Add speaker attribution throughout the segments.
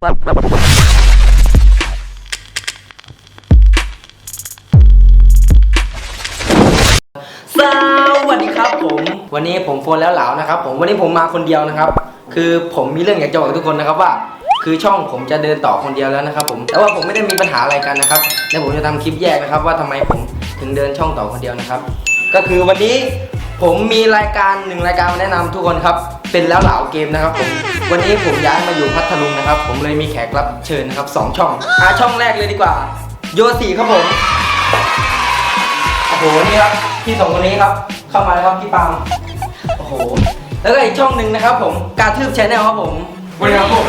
Speaker 1: วัสดีครับผมวันนี้ผมโฟนแล้วเหลานะครับผมวันนี้ผมมาคนเดียวนะครับคือผมมีเรื่องอยากจะบอกทุกคนนะครับว่าคือช่องผมจะเดินต่อคนเดียวแล้วนะครับผมแต่ว่าผมไม่ได้มีปัญหาอะไรกันนะครับแล้วผมจะทำคลิปแยกนะครับว่าทำไมผมถึงเดินช่องต่อคนเดียวนะครับก็คือวันนี้ผมมีรายการ1รายการมาแนะนำทุกคนครับเป็นแล้วเหลาเกมนะครับผมวันนี้ผมย้ายมาอยู่พัทลุงนะครับผมเลยมีแขกรับเชิญนะครับ2ช่องช่องแรกเลยดีกว่าโยสีครับผมโอ้โหนี่ครับพี่2คนนี้ครับเข้ามาแล้วครับพี่ปาล์มโอ้โหแล้วก็อีกช่องหนึ่งนะครับผมการทืบแชนแนลครับผมวันนี้ครับผม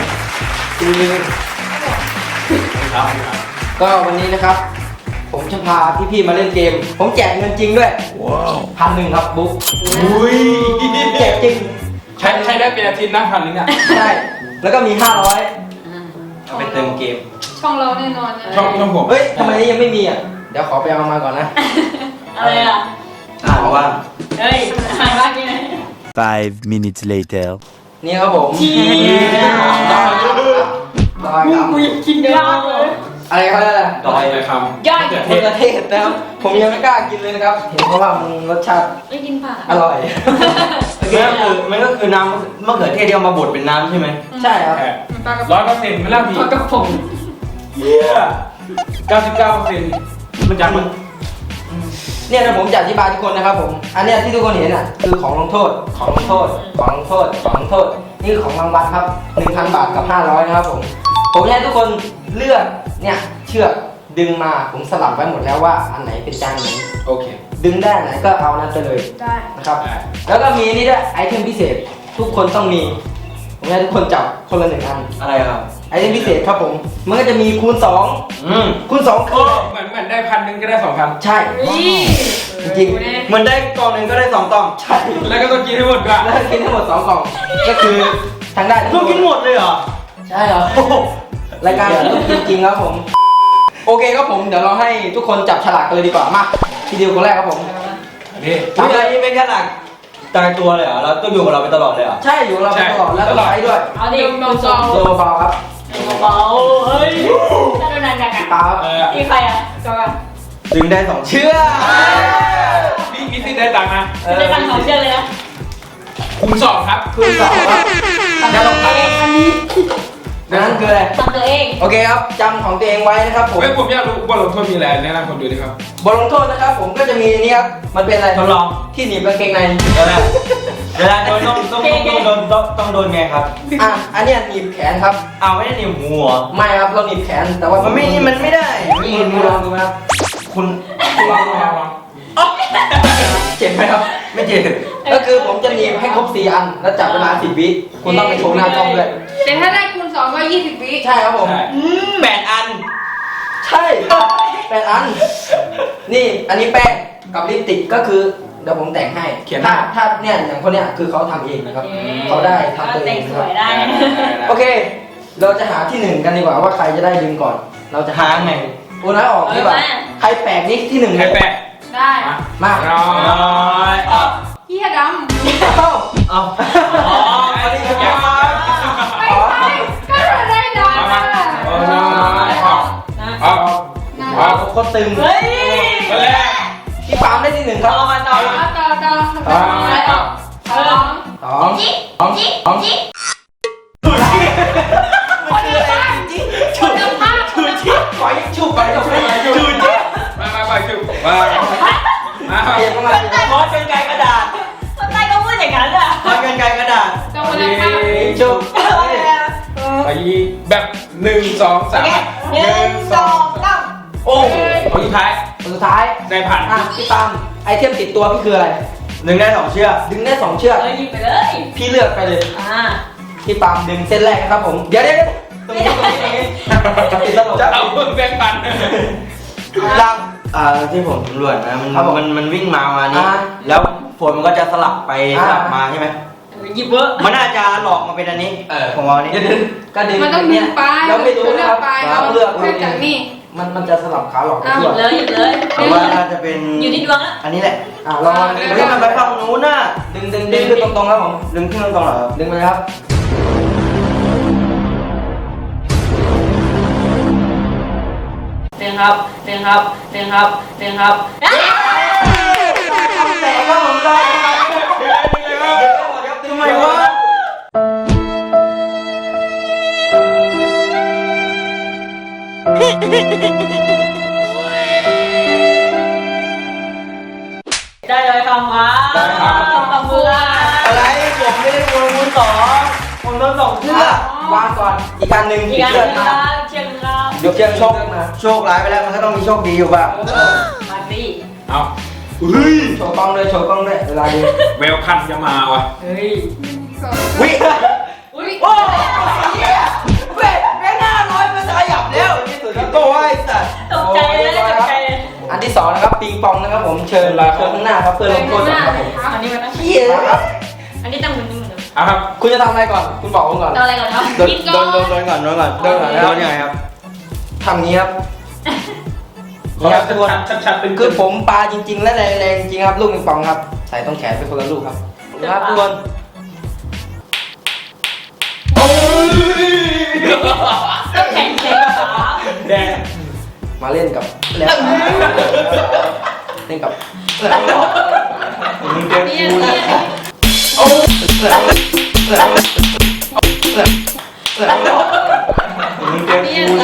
Speaker 1: ก็วันนี้นะครับผมจะพาพี่ๆมาเล่นเกมผมแจกเงินจริงด้วย1,100ครับบุ๊กอุ้ยแจกจริง
Speaker 2: ใช้ได้เป็นอาทิตย์นะ1,000เนี่ย
Speaker 1: ใช่แล้วก็มี500ไปเติมเกม
Speaker 3: ช่องเราแน่นอนนะ
Speaker 2: ช่องผม
Speaker 1: เฮ้ยทำไมยังไม่มีอ่ะเดี๋ยวขอไปเอามาก่อนนะ
Speaker 3: อะไรอ่ะ
Speaker 1: ว่า
Speaker 3: เฮ้ยหายว่ากี่ไหน
Speaker 4: 5 minutes later
Speaker 1: นี่ครับผมดอยครับ
Speaker 3: กูยังกินยากเลย
Speaker 1: อะไรเขาเรียกอะไร
Speaker 2: ดอยเลยคำ
Speaker 3: ย่อย
Speaker 1: มะเขือเทศนะครับผมยังไม่กล้ากินเลยนะครับเห็นเพราะว่ามันรสชาติ
Speaker 3: ไม่กินผัก
Speaker 1: อร่อย
Speaker 5: มันก็คือน้ำมะเขือเทศที่เอามาบดเป็นน้ำใช่ไหม
Speaker 1: ใช่ครับ
Speaker 2: 100%ไม่ล่ะพี่
Speaker 3: ปลากระป๋อง
Speaker 2: เยี่ย99%มันจากมัน
Speaker 1: เนี่ยนะผมจะอธิบายทุกคนนะครับผมอันเนี้ยที่ทุกคนเห็นอ่ะคือของลงโทษนี่คือของรางวัลครับ 1,000 บาทกับ500นะครับผมให้ทุกคนเลือกเนี่ยเชือกดึงมาผมสลับไว้หมดแล้วว่าอันไหนเป็นจานไหน
Speaker 2: โอเค
Speaker 1: ดึงได้ไหนก็เอานั้นไปเลย
Speaker 3: ได้
Speaker 1: นะครับแล้วก็มีนี่ด้วยไอเทมพิเศษทุกคนต้องมีผมให้ทุกคนจับคนละ1 อัน
Speaker 5: อะไรครับ
Speaker 1: ไอเทมพิเศษครับผมมันก็จะมีคูณ2คูณ2คือ
Speaker 2: เหมือนได้1,000ก็ได้2,000
Speaker 1: ใช่จริง
Speaker 5: เหมือนได้กล่องหนึ่งก็ได้2 กล่อง
Speaker 1: ใช่
Speaker 2: แล้วก็ต้องกินให้หมดก่อน
Speaker 1: แล้วกินทั้งหมด2 กล่องก็คือทางได้
Speaker 5: ต้องกินหมดเลยเหรอ
Speaker 1: ใช่เหรอรายการต้องกินจริงครับผมโอเคครับผมเดี๋ยวเราให้ทุกคนจับฉลากกันเลยดีกว่ามาทีเดียวคนแรกครับผม
Speaker 2: นี่
Speaker 5: ทำอะไรนี่ไม่แค่หลักตายตัวเลยเหรอเราต้องอยู่กับเราไปตลอดเลยเหรอ
Speaker 1: ใช่อยู่กับเราไปตลอดแล้วก็ใช้ด้วย
Speaker 3: เอาดิเบา
Speaker 1: เบาครับ
Speaker 3: เบาเฮ้ยถ้าโดนนานจังอ่ะ
Speaker 1: ปาครับ
Speaker 3: อีใครอ่ะจอย
Speaker 5: ดึงได้2 เชือก
Speaker 2: พี่สิได้ตังค์นะ
Speaker 3: ได้ตังค์2 เชือกเลยนะ
Speaker 2: คูณ2ครับ
Speaker 1: คูณ2ครับ
Speaker 3: จะลงไปอันนี้
Speaker 1: นั่นคืออะไร
Speaker 3: ทำตัวเอง
Speaker 1: โอเคครับจำของตัวเองไว้นะครับผม
Speaker 2: ผมอยากรู้บทลงโทษมีอะไรแนะนำผมดูดิครับ
Speaker 1: บทลงโทษนะครับผมก็จะมีนี่ครับมันเป็นอะไร
Speaker 5: ทดลอง
Speaker 1: ที่หนีบกางเกงใน
Speaker 5: เวลาโดนต้องโดนไงครับ
Speaker 1: อันนี้หนีบแขนครับ
Speaker 5: ไม่ได้หนีบหัว
Speaker 1: ไม่ครับเราหนีบแขนแต่ว่า
Speaker 5: มันไม่ได้
Speaker 1: คุณลองดูไหมครับคุณ
Speaker 2: ลอง
Speaker 1: เจ็บไหมครับ
Speaker 5: ไม่เจ็บ
Speaker 1: ก็คือผมจะหนีบให้ครบ4 อันแล้วจับเวลา10 วิคุณต้องไปโชว์หน้ากล้องด้วย
Speaker 3: แต่ถ้าได้คูณ2ก็20 วิ
Speaker 1: ใช่ครับผม
Speaker 5: 8 อัน
Speaker 1: ใช่8 อันนี่อันนี้แป้งกับลิปสติกก็คือเดี๋ยวผมแต่งให้ถ้าเนี่ยอย่างคนเนี้ยคือเขาทำเองนะครับเขาได้ทำตัวเอง
Speaker 3: สวยได้
Speaker 1: โอเคเราจะหาที่1กันดีกว่าว่าใครจะได้ดึงก่อนเราจะ
Speaker 5: หาไง
Speaker 1: โอ้น้อยออกดีกว่าใครแปลกนี่ที่1
Speaker 2: ใครแปลก
Speaker 3: ได้
Speaker 1: มา
Speaker 3: เฮียดำ
Speaker 5: เอา
Speaker 3: ไม่ใช่ก็ได้ด
Speaker 1: ำโคตรตึง
Speaker 3: เฮ้ย
Speaker 1: พี่ปาล์มได้ที่1ครับ
Speaker 3: ต่อ2คนละภาพ
Speaker 1: ขอยิ่งชุบไปก็ไม่ได้ชุบ
Speaker 2: มาชุบมา
Speaker 1: เปลี่ยนมา
Speaker 5: คอสกันไกลกระดาษ
Speaker 3: คนไทยก็พูดอย่างนั้นอ่ะ
Speaker 5: คอสกันไกลกระดาษ
Speaker 3: ต้องคนละภาพ
Speaker 1: ชุบ
Speaker 2: ไปแบบ1 2 3
Speaker 3: 1 2 3
Speaker 1: โอ้
Speaker 2: คนสุดท้ายได้ผ่าน
Speaker 1: พี่ปาล์มไอเทมติดตัวพี่คืออะไร
Speaker 5: ดึงได้2 เชือก
Speaker 1: ดึงได้2 เชือก
Speaker 3: หยิบไปเลย
Speaker 1: พี่เลือกไปเลยพี่ปาล์มดึงเส้นแรกนะครับผมเดี๋ยวตรงนี้ติดตลก
Speaker 2: จะเอาเพิ่งแบงค์ปัน
Speaker 1: ลัง
Speaker 5: ที่ผมตำรวจนะมันวิ่งมานี่แล้วฝนมันก็จะสลับไปสลับมาใช่ไหม
Speaker 3: หยิบเวอร์
Speaker 5: มันน่าจะหลอกมาเป็นอันนี้ผมเอาอันนี้
Speaker 1: ก็ดึง
Speaker 3: มันต้องดึงไป
Speaker 1: เราไม่รู้นะครับ
Speaker 3: เราเลือกจากนี่
Speaker 1: มันจะสลับขาหลอก
Speaker 3: หยิบเลย
Speaker 5: เพราะว่าน่าจะเป็น
Speaker 3: อยู่ที่ดวง
Speaker 5: อันนี้แหละ
Speaker 1: ลอง
Speaker 5: ดึงมันไปฝั่งนู้นน่ะ
Speaker 1: ดึงขึ้นตรงๆครับผม
Speaker 5: ดึงขึ้นตรงๆเหรอ
Speaker 1: ดึงไปครับ
Speaker 3: ครับหนึ่งครับหนึ่งครับหนึ่งครับ
Speaker 1: แต่ก็ผมได้ทำไมวะ
Speaker 3: ได้เลยคำว่าคำพูด
Speaker 5: อะไรผมไม่ได้โดนมือสองผมโดนสองเชือก
Speaker 1: วางก่อนอีกการหนึ่ง
Speaker 3: อีกอันห
Speaker 1: เชื
Speaker 3: นึ่
Speaker 1: อก
Speaker 3: ง
Speaker 1: มา
Speaker 3: ครับเชียงครับ
Speaker 1: ยกเชือก
Speaker 5: โชคโชคร้ายไปแล้วมันก็ต้องมีโชคดีอยู่บ้าง
Speaker 3: มาสิ
Speaker 2: เอา
Speaker 1: โชว์กล้องด้วยโชว์กล้องด้วยเวลาดี
Speaker 2: แววคันจะมาว่ะ
Speaker 3: เฮ้ย
Speaker 1: วิ
Speaker 3: อุ้ย
Speaker 5: โอ้ยเว้ยแม่หน้าร้อยมันจะขยับแล้วนี่สุดแล้วโต้ไอ้สัตว์
Speaker 3: ตกใจเลยตกใจเลย
Speaker 1: อันที่สองนะครับปิงปองนะครับผมเชิญข้างหน้าครับเพื่อลงโทษนะครับผม
Speaker 3: อันนี้มันต้อง
Speaker 5: เหี้ย
Speaker 1: มาครับ
Speaker 3: อันนี้ต้องเหมือนเหมือน
Speaker 2: เอาครับ
Speaker 1: คุณจะทำอะไรก่อน คุณบอกผมก่อน
Speaker 3: เอาอะไรก่อนครับ
Speaker 5: โดนโดนก่อนโดนก่อนโดนยังไงครับ
Speaker 1: ทำงี้ครับ
Speaker 2: ขอแบบชัดๆเป็น
Speaker 1: คือผมปลาจริง ๆ และแรงๆจริงๆครับลูกปิงปองครับใส่ตรงแขนเป็นคนละลูกครับนะครับทุกคน
Speaker 3: ต้องแข่งแข่งขา
Speaker 2: แดง
Speaker 1: มาเล่นกับแล้วเล่นกับ
Speaker 5: มึงเจอ
Speaker 3: นี่
Speaker 5: กู
Speaker 3: นี่
Speaker 5: มึงเจอ
Speaker 3: นี่
Speaker 5: กู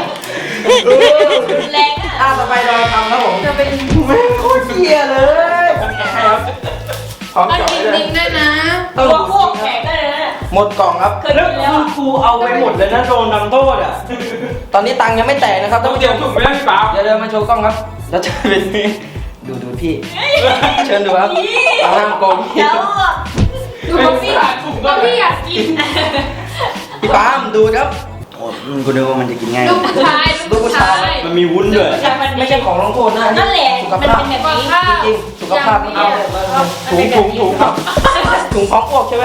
Speaker 3: นี่แรงอ่ะ
Speaker 1: ต่อไปดอยคำครับผม
Speaker 3: จะเป็น
Speaker 5: แม่งโคตรเหี้ยเลย
Speaker 1: พร้อม
Speaker 3: ต้อง
Speaker 1: เจาะ
Speaker 3: จริง
Speaker 1: เลย
Speaker 3: ๆด้วยนะตัวพวกแข่งได้เลยนะ
Speaker 1: หมดกล่องครับ
Speaker 3: เคยกินแล้ว
Speaker 5: กูเอาไปหมดเลยนะโดนทำโทษอ่ะ
Speaker 1: ตอนนี้ตังค์ยังไม่แตกนะครับ
Speaker 2: ต้
Speaker 1: ท่า
Speaker 2: อน ง
Speaker 1: ผู้
Speaker 2: เจี
Speaker 1: ช
Speaker 2: ยว
Speaker 1: ม
Speaker 2: ถุงไม่ได้พี่เปล่า
Speaker 1: เดี๋ยวเดินมาโชว์กล้องครับแล้วจะเป็นดูพี่ เชิญดูครับตาห้ามโกงพี่
Speaker 3: แล้วดูเขาพี่ก็พี่อยากกิน
Speaker 1: พี่ปาล์มดูครับ
Speaker 5: โอ้กูนึกว่ามันจะกินง่าย
Speaker 3: ลูกผู้ชายลูกผู้ชาย
Speaker 5: มันมีวุ้นด้วย
Speaker 3: ผู้ชายมัน
Speaker 1: ไม่ใช่ของลงโทษนะ
Speaker 3: นั่นแหละ
Speaker 1: สุข
Speaker 3: มัน
Speaker 1: ภาพ
Speaker 3: เป็นแบบนี้
Speaker 1: จริงๆสุขภาพ
Speaker 3: เอา
Speaker 1: ถุงครับถุงพร้อมอ้วกใช่ไหม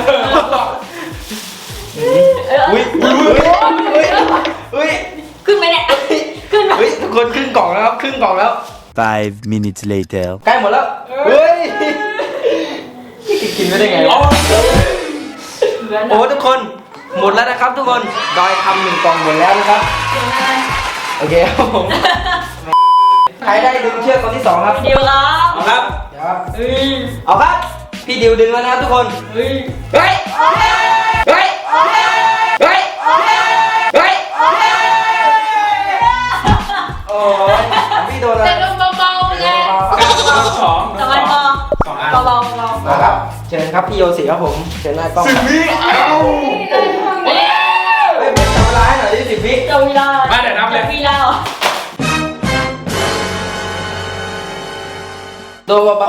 Speaker 1: อุ้ยอุ้ย
Speaker 3: ขึ้นไหมเนี่ยขึ้นไหม
Speaker 1: อุ้ยทุกคนครึ่งกล่องแล้วครับครึ่งกล่องแล้ว
Speaker 4: 5 minutes later.
Speaker 1: ใกล้หมดแล้วเฮ้ยกินไม่ได้ไงวะโอ้ทุกคนหมดแล้วนะครับทุกคนดอยทำ1 กล่องหมดแล้วนะครับโอเคครับผมใครได้ดึงเชือกคนที่2ครับ
Speaker 3: เดียวแล้ว
Speaker 1: เอาครับเดี๋ยวครับ
Speaker 3: เฮ้ย
Speaker 1: เอาครับพี่ดิวดึงแล้วนะครับทุกคน
Speaker 3: เฮ้ย
Speaker 1: เฮ้ยเฮ้ยเฮ้ยเฮ้ยโอ้ยพี่โดนอะไร
Speaker 3: แต่ลงเบาๆเลย
Speaker 2: สอง
Speaker 3: สบายพอ
Speaker 2: สองอัน
Speaker 3: เบาๆ
Speaker 1: มาครับเชิญครับพี่โยสิครับผมเชิญหน้ากล้องครับ เฮ้ยเป็นจับเวลาให้หน่อยดิ10 วิ
Speaker 3: เจ้าวีลา
Speaker 2: มาเดี๋ยวนับเลย
Speaker 3: วีลา
Speaker 1: โดนเบา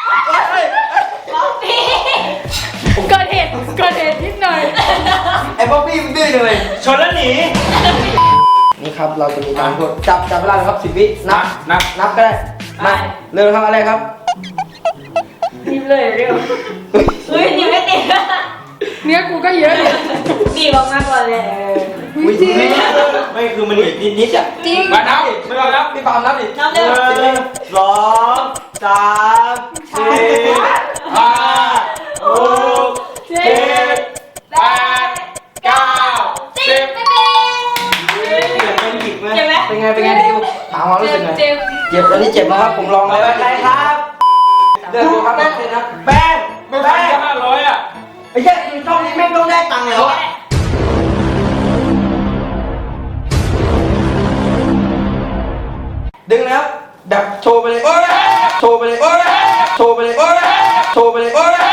Speaker 3: เกิดเหตุนิดหน่อย
Speaker 1: ๆไอ้บ๊อบบี้มันดื้อจังเลย
Speaker 5: ชนแล้วหนี
Speaker 1: นี่ครับเราจะมีการพูดจับเวลานะครับ10 วินับ
Speaker 2: นับ
Speaker 1: ก็ได้มาเร็วครับอะไรครับ
Speaker 3: รีบเลยเร็วเฮ้ยนี่ไม่ติด
Speaker 6: เนื้อกูก็เยอะเลย
Speaker 3: นี่บอกมากกว่าเลย
Speaker 1: วิธี
Speaker 5: ไม่คือมันอีกนิดๆอ่ะ
Speaker 6: จริง
Speaker 2: มานับไม่ต้องนับ
Speaker 1: พี่ปาล์มนับดิ
Speaker 3: น้ำเร็ว
Speaker 5: 1 2 3 4
Speaker 2: ห้า
Speaker 5: 5
Speaker 3: เจ็ด
Speaker 2: แปดเก้าสิบ
Speaker 5: เป็นหยิกไหม
Speaker 3: เจ็บไหม
Speaker 1: เป็นไงดิวถามความรู้สึกหน่อย
Speaker 3: เจ็บ
Speaker 1: เจ็บอันนี้เจ็บนะครับผมลอง
Speaker 5: ต่อ
Speaker 1: แล้ว
Speaker 5: ไปใครครับ
Speaker 1: เลือกดูครับเลือกนะ
Speaker 5: แป้ง
Speaker 2: ไม่พันแค่500อ่ะ
Speaker 5: ไอ้เหี้ยช่องนี้แม่งต้องได้ตังค์แล้วอะ
Speaker 1: ดึงนะครับแบบโชว์ไปเลยโชว์ไปเลยโชว์ไปเลยโชว์ไปเลย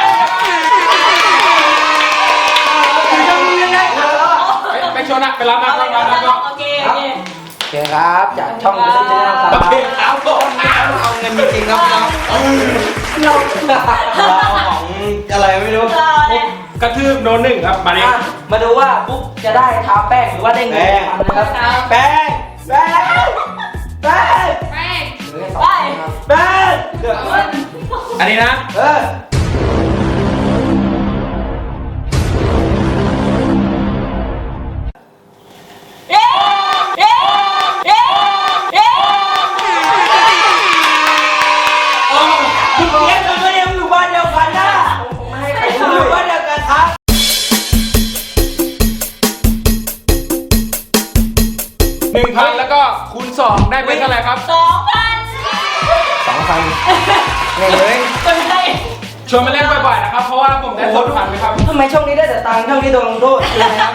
Speaker 2: ไปชนอ่ะไปรับนับรับนับนับ
Speaker 3: โอเค
Speaker 1: โอเคครับจากช่องเซ็นเตอร์นะครับ
Speaker 2: โอเคเอาก่อน
Speaker 1: เอาเงินจริงๆครับน้อง
Speaker 5: เราเอาของอะไรไม่รู้
Speaker 3: รอเลย
Speaker 2: กระทืบโดน1ครับมาดิ
Speaker 1: มาดูว่าปุ๊บจะได้ทาแป้งหรือว่าได้เงินพันนะครับ
Speaker 5: แป้งแป้งแป้ง
Speaker 6: แป้ง
Speaker 1: เหลือแค่2คนครับ
Speaker 5: แป้ง
Speaker 2: อันนี้นะ
Speaker 1: เออ
Speaker 3: เย้เย้เย้เย้
Speaker 5: คุณเลี้ยงกันก็ยังอยู่บ้านเดียวกันนะ
Speaker 1: ผมไม่ให้ใคร
Speaker 5: อ
Speaker 1: ดู
Speaker 5: ยู่
Speaker 1: เล
Speaker 5: บ้าย นเดียวกันครับ
Speaker 2: 1,000แล้วก็คูณ2ได้เป็นเท่าไหร่ครับ
Speaker 3: 2,000
Speaker 1: 2,000เนี่ยเลย
Speaker 3: คนไทย
Speaker 2: ชวนมาเล่นบ่อยๆนะครับเพราะว่าผมได้2,000นะครับ
Speaker 1: ทำไมช่องนี้ได้แต่ตังค์ช่องนี้โดนลงโทษคืออะไรครับ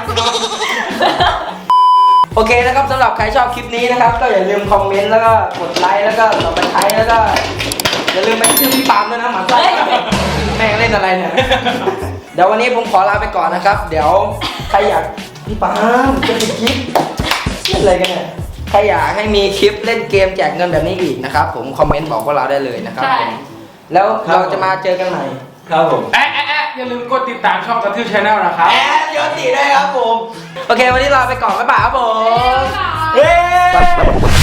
Speaker 1: โอเคนะครับสำหรับใครชอบคลิปนี้นะครับ ก็อย่าลืมคอมเมนต์แล้วก็กดไลค์แล้วก็ต่อไปใช้แล้วก็อย่าลืมไปชื่อพี่ปาล์มด้วยนะหมาไส้แม่งเล่นอะไรเนี่ยเดี๋ยววันนี้ผมขอลาไปก่อนนะครับ เดี๋ยวใครอยากพี่ปาล์มจะมีคลิปเล่นอะไรกันเนี่ยใครอยากให้มีคลิปเล่นเกมแจกเงินแบบนี้อีกนะครับผมคอมเมนต์บอกพวกเราได้เลยนะครับ
Speaker 3: ใช่
Speaker 1: ผมแล้วเราจะมาเจอกันใหม่
Speaker 5: ครับผม
Speaker 2: อย่าลืมกดติดตามช่องกระทืบชาแนลนะครับ
Speaker 5: แอบยศตีด้วยครับผม
Speaker 1: โอเควันนี้ลาไปก่อนบ๊ายบายครับผม
Speaker 6: เย้
Speaker 1: เฮ้